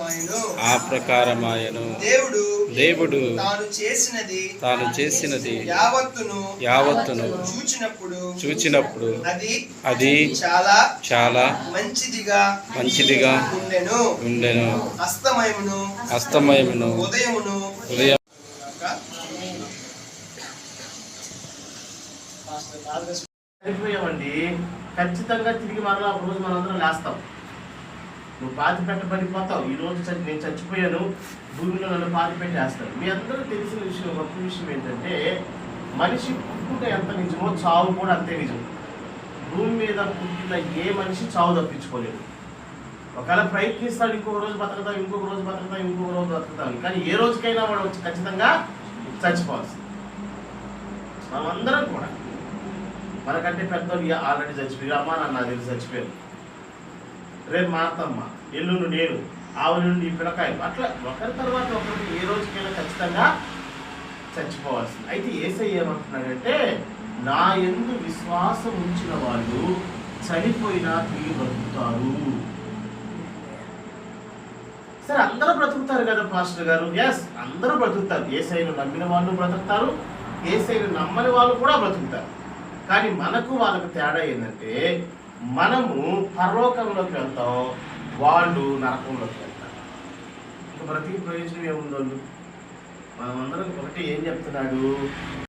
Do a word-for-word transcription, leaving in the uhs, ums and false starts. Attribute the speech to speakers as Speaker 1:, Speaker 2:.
Speaker 1: ప్రకారమాయను
Speaker 2: ఆ ప్రకారమాయను
Speaker 1: దేవుడు
Speaker 2: దేవుడు
Speaker 1: తాను చేసినది
Speaker 2: తాను చేసినది
Speaker 1: యావత్తును
Speaker 2: యావత్తును
Speaker 1: చూచినప్పుడు
Speaker 2: చూచినప్పుడు
Speaker 1: అది
Speaker 2: అది
Speaker 1: చాలా
Speaker 2: చాలా
Speaker 1: మంచిదిగా
Speaker 2: మంచిదిగా
Speaker 1: ఉండెను
Speaker 2: ఉండెను
Speaker 1: అస్తమయమును
Speaker 2: అస్తమయమును
Speaker 1: ఉదయమును
Speaker 2: ఉదయం
Speaker 3: చనిపోయామండి. ఖచ్చితంగా తిరిగి మరలా ఒక రోజు మనందరం లేస్తాం. నువ్వు పాతి పెట్టబడిపోతావు. ఈ రోజు చచ్చి నేను చచ్చిపోయాను, భూమిలో నన్ను పాతి పెట్టేస్తాను. మీ అందరూ తెలిసిన విషయం, గొప్ప విషయం ఏంటంటే మనిషి పుట్టుట ఎంత నిజమో చావు కూడా అంతే నిజం. భూమి మీద పుట్టిన ఏ మనిషి చావు తప్పించుకోలేదు. ఒకవేళ ప్రయత్నిస్తాడు, ఇంకొక రోజు బతుకుతాం, ఇంకొక రోజు బతుకుతాం, ఇంకొక రోజు బతుకుతాం, కానీ ఏ రోజుకైనా వాడు వచ్చి ఖచ్చితంగా చచ్చిపోవాల్సింది. మనమందరం కూడా మనకంటే పెద్దోళ్ళు ఆల్రెడీ చచ్చిపోయారు. అమ్మ నాన్న తెలిసి చచ్చిపోయారు. రేపు మా అత్తమ్మ, ఎల్లుండి నేను, ఆవుల నుండి ఈ పిల్లకాయ, అట్లా ఒకరి తర్వాత ఒకరికి ఏ రోజుకైనా ఖచ్చితంగా చచ్చిపోవాల్సింది. అయితే యేసయ్య ఏమంటున్నాడంటే, నా యందు విశ్వాసం ఉంచిన వాళ్ళు చనిపోయినా తిరిగి బ్రతుకుతారు. సరే, అందరూ బ్రతుకుతారు కదా పాస్టర్ గారు. ఎస్, అందరూ బ్రతుకుతారు. యేసయ్యను నమ్మిన వాళ్ళు బ్రతుకుతారు, యేసయ్యను నమ్మని వాళ్ళు కూడా బ్రతుకుతారు. కానీ మనకు వాళ్ళకు తేడా ఏంటంటే, మనము పరలోకంలోకి వెళ్తాం, వాళ్ళు నరకంలోకి వెళ్తారు. ఇంకా బ్రతికి ప్రయోజనం ఏముందో. మనమందరం ఒకటి ఏం చెప్తున్నాడు,